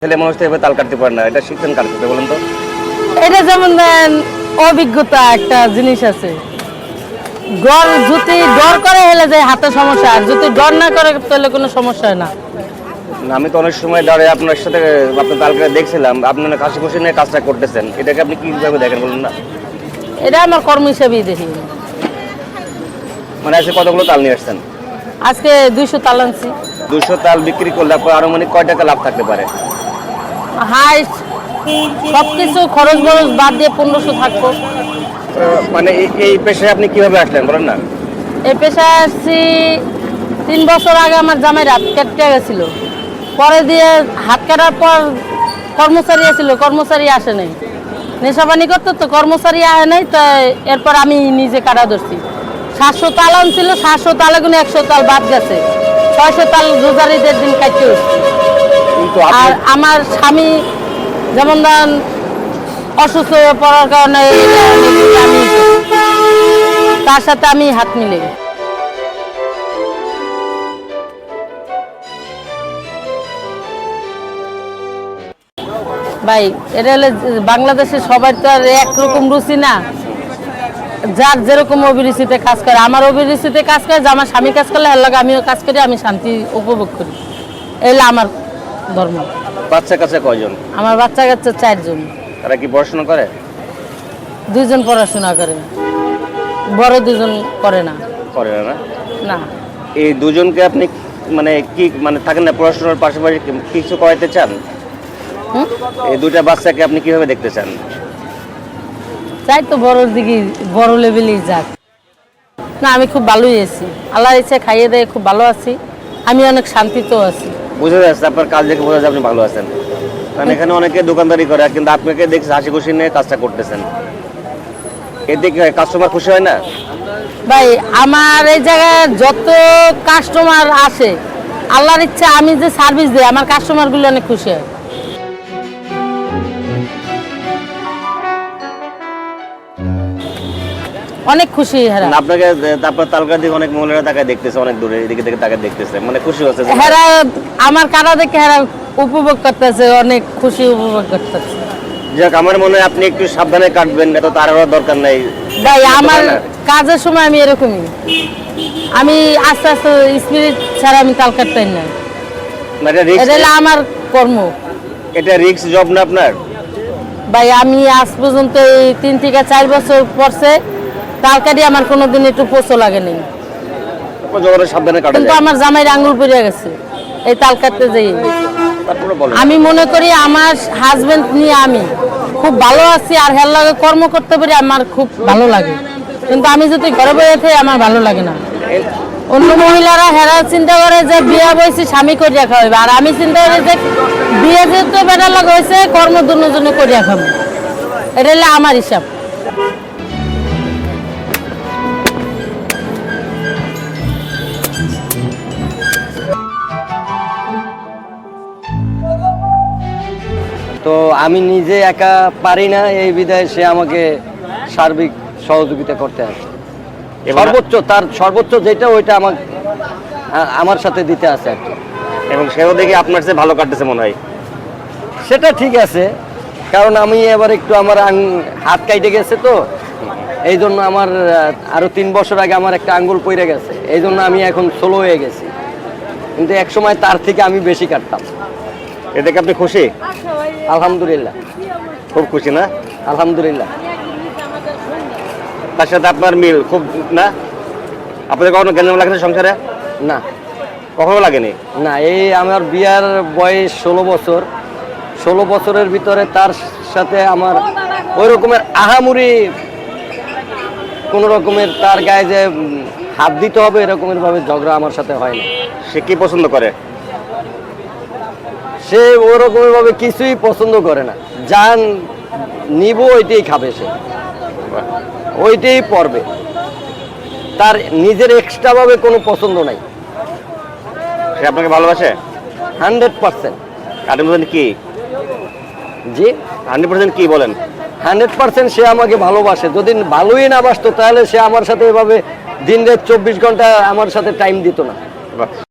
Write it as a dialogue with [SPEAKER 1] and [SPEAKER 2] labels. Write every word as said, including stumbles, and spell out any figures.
[SPEAKER 1] ছেলে মানুষ তো এভাবে তাল কাটতে পারে না, এটা শিখছেন কার কাছে বলেন তো?
[SPEAKER 2] এটা যেমন দেন অভিজ্ঞতা একটা জিনিস আছে। ডর যদি ডর করে হলে যায় হাতে সমস্যা, আর যদি ডর না করে তাহলে কোনো সমস্যা হয় না।
[SPEAKER 1] না, আমি তো অনেক সময় দাঁড়িয়ে আপনার সাথে আপনার তাল কাটা দেখছিলাম, আপনি অনেক হাসি খুশি নিয়ে কাজটা করতেছেন, এটাকে আপনি কিভাবে দেখেন বলুন না?
[SPEAKER 2] এটা আমার কর্ম হিসেবেই দেখি।
[SPEAKER 1] মানে আজকে কতগুলো তাল নিয়ে আসছেন?
[SPEAKER 2] আজকে দুইশো তাল আনছি।
[SPEAKER 1] দুশো তাল বিক্রি করলে আপনার আনুমানিক কয় টাকা লাভ থাকতে পারে?
[SPEAKER 2] হাইস্ট সবকিছু খরচ বরচ বাদ দিয়ে পনেরোশো থাকবো।
[SPEAKER 1] আহ, মানে এই- এই পেশায় আপনি কিভাবে আসলেন বলেন না?
[SPEAKER 2] এই পেশায় আসছি তিন বছর আগে। আমার জামাই হাত কেটে গেছিল, পরে দিয়ে হাত কাটার পর কর্মচারী আসছিল, কর্মচারী আসে নাই। নেশাবানি করতো তো কর্মচারী আসে নাই, তাই এরপর আমি নিজে কাটা ধরছি। সাতশো তাল আনছিল, সাতশো তালে কোনো একশো তাল বাদ গেছে, ছয়শো তাল রোজারিদের দিন কাটতে উঠছি।
[SPEAKER 1] কিন্তু
[SPEAKER 2] আর
[SPEAKER 1] আপনি
[SPEAKER 2] আমার স্বামী যেমন ধরেন অসুস্থ হয়ে পড়ার কারণে আমি তার সাথে আমি হাত মিলে ভাই, এটা হলে বাংলাদেশের সবাই তো আর একরকম রুচি না। যার যেরকম অভিরুচিতে কাজ করে, আমার অভিরুচিতে কাজ করে যে আমার স্বামী কাজ করলে এর লাগে আমিও কাজ করি, আমি শান্তি উপভোগ করি। এলে আমার ধর্ম।
[SPEAKER 1] বাচ্চা কাছে কয়জন?
[SPEAKER 2] আমার বাচ্চা কাচ্চা চারজন।
[SPEAKER 1] তারা কি পড়াশোনা করে?
[SPEAKER 2] দুইজন পড়াশোনা করে, বড় দুজন করে না।
[SPEAKER 1] করে না?
[SPEAKER 2] না,
[SPEAKER 1] এই দুজনকে আপনি মানে কি মানে থাকেন না পড়াশোনার পাশাপাশি কি- কিছু করাইতে চান?
[SPEAKER 2] হুম?
[SPEAKER 1] এই দুইটা বাচ্চাকে আপনি কিভাবে দেখতে চান?
[SPEAKER 2] চাই তো বড়োর দিকে, বড় লেভেলেই যাক। না, আমি খুব ভালোই আছি, আল্লাহর ইচ্ছে খাইয়ে দেয় খুব ভালো আছি। আমি অনেক শান্তিতেও আছি।
[SPEAKER 1] বুঝে যাচ্ছে আপনার কাজ দেখে বোঝা যায় আপনি ভালো আছেন। কারণ এখানে অনেকে দোকানদারি করে, কিন্তু আপনাকে দেখছি হাসি খুশি নিয়ে কাজটা করতেছেন, এতে কি হয় কাস্টমার খুশি হয় না?
[SPEAKER 2] ভাই, আমার এই জায়গায় যত কাস্টমার আসে, আল্লাহর ইচ্ছা আমি যে সার্ভিস দিই আমার কাস্টমারগুলো অনেক খুশি হয়। অনেক খুশি হেরা।
[SPEAKER 1] না, আপনাকে তারপর তালকা দিকে অনেক মহিলারা তাকায় দেখতেছে, অনেক দূরে এদিকে থেকে তাকায় দেখতেছে, মানে খুশি হচ্ছে যে-
[SPEAKER 2] হেরা আমার কাটা দেখে হেরা উপভোগ করতেছে, অনেক খুশি উপভোগ করতেছে।
[SPEAKER 1] যাক, আমার মনে হয় আপনি একটু সাবধানে কাটবেন, এত তার দরকার নাই।
[SPEAKER 2] ভাই, আমার
[SPEAKER 1] না?
[SPEAKER 2] কাজের সময় আমি এরকমই, আমি আস্তে আস্তে স্পিরিট ছাড়া আমি তাল কাটতাম না।
[SPEAKER 1] না, এটা রিস্ক,
[SPEAKER 2] এটা হলো আমার কর্ম।
[SPEAKER 1] এটা রিস্ক জব না আপনার?
[SPEAKER 2] ভাই, আমি আজ পর্যন্ত এই তিন থেকে চার বছর পরছে তাল কাটি, আমার কোনোদিন একটু পোষো লাগে নাই।
[SPEAKER 1] যখন সাবধানে কাটা
[SPEAKER 2] কিন্তু
[SPEAKER 1] যায়।
[SPEAKER 2] আমার জামাইয়ের আঙুল পড়ে গেছে এই তাল কাটতে যাই।
[SPEAKER 1] তারপরে বলেন।
[SPEAKER 2] আমি মনে করি আমার হাজবেন্ড নিয়ে আমি খুব ভালো আছি, আর হের লাগে কর্ম করতে পারি আমার খুব ভালো লাগে। কিন্তু আমি যদি ঘরে বসে থাকি আমার ভালো লাগে না। অন্য মহিলারা হেরা চিন্তা করে যে বিয়ে বয়সী স্বামী করিয়া খাওয়াবে, আর আমি চিন্তা করি যে বিয়ে যেহেতু বেটার লাগে হয়েছে কর্ম দুজনে করিয়া খাবো। এটা হলে আমার হিসাব।
[SPEAKER 3] তো আমি নিজে একা পারি না, এই বিধায় সে আমাকে সার্বিক সহযোগিতা করতে আসে।
[SPEAKER 1] এবার-
[SPEAKER 3] সর্বোচ্চ তার সর্বোচ্চ যেটা ওইটা আমার আ- আমার সাথে দিতে আসে আর কি।
[SPEAKER 1] এবং সেও দেখে আপনার চেয়ে ভালো কাটতেছে মনে হয়।
[SPEAKER 3] সেটা ঠিক আছে, কারণ আমি এবার একটু আমার আং- হাত কাইটে গেছে, তো এই জন্য আমার আহ, আরো তিন বছর আগে আমার একটা আঙ্গুল পড়ে গেছে, এই জন্য আমি এখন স্লো হয়ে গেছি। কিন্তু এক সময় তার থেকে আমি বেশি কাটতাম।
[SPEAKER 1] এ দেখে আপনি খুশি?
[SPEAKER 3] আলহামদুলিল্লাহ,
[SPEAKER 1] খুব খুশি না?
[SPEAKER 3] আলহামদুলিল্লাহ।
[SPEAKER 1] তার সাথে আপনার মিল খুব না? আপনাদের কখনো জ্ঞান লাগেনি সংসারে?
[SPEAKER 3] না
[SPEAKER 1] কখনো লাগেনি?
[SPEAKER 3] না, এই আমার বিয়ার বয়স ষোলো বছর। ষোলো বছরের ভিতরে তার সাথে আমার ওই রকমের আহামুরি কোনো রকমের তার গায়ে যে উম, হাত দিতে হবে এরকমের ভাবে ঝগড়া আমার সাথে হয় না।
[SPEAKER 1] সে কি পছন্দ করে?
[SPEAKER 3] সে ওরকমের ভাবে কিছুই পছন্দ করে না, যা নিব ওইটাই খাবে, সে ওইটাই পরবে, তার নিজের এক্সট্রা ভাবে কোনো পছন্দ নাই।
[SPEAKER 1] সে আপনাকে ভালোবাসে
[SPEAKER 3] হান্ড্রেড পার্সেন্ট।
[SPEAKER 1] হান্ড্রেড পার্সেন্ট কি?
[SPEAKER 3] জি,
[SPEAKER 1] হান্ড্রেড পার্সেন্ট কি বলেন?
[SPEAKER 3] হান্ড্রেড পার্সেন্ট সে আমাকে ভালোবাসে। যদি ভালোই না বাসতো তাহলে সে আমার সাথে এভাবে দিন রাত চব্বিশ ঘন্টা আমার সাথে টাইম দিত না।
[SPEAKER 1] বাহ।